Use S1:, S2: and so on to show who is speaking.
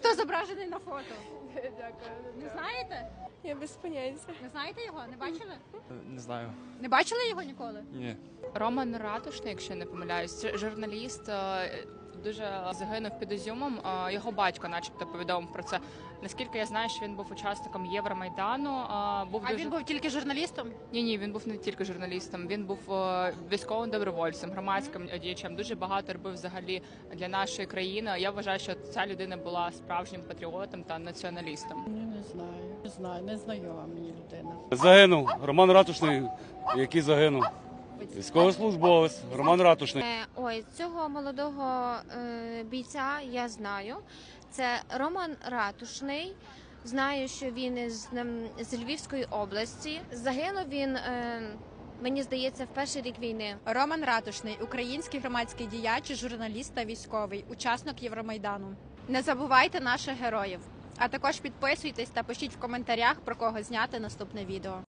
S1: хто зображений на фото?
S2: Дякую.
S1: Не знаєте?
S2: Я без поняття.
S1: Не знаєте його? Не бачили?
S3: Не знаю.
S1: Не бачили його ніколи?
S3: Ні.
S4: Роман Ратушний, якщо я не помиляюсь, це журналіст, дуже загинув під Ізюмом. Його батько, начебто, повідомив про це. Наскільки я знаю, що він був учасником Євромайдану.
S1: Він був тільки журналістом?
S4: Ні, він був не тільки журналістом. Він був військовим добровольцем, громадським діячем. Дуже багато робив взагалі для нашої країни. Я вважаю, що ця людина була справжнім патріотом та націоналістом.
S5: Не знаю, не знайома мені людина.
S6: Загинув Роман Ратушний, який загинув. Військовослужбовець Роман Ратушний.
S7: Ой, цього молодого бійця я знаю. Це Роман Ратушний. Знаю, що він з Львівської області. Загинув він, мені здається, в перший рік війни.
S1: Роман Ратушний – український громадський діяч, журналіст та військовий, учасник Євромайдану. Не забувайте наших героїв. А також підписуйтесь та пишіть в коментарях, про кого зняти наступне відео.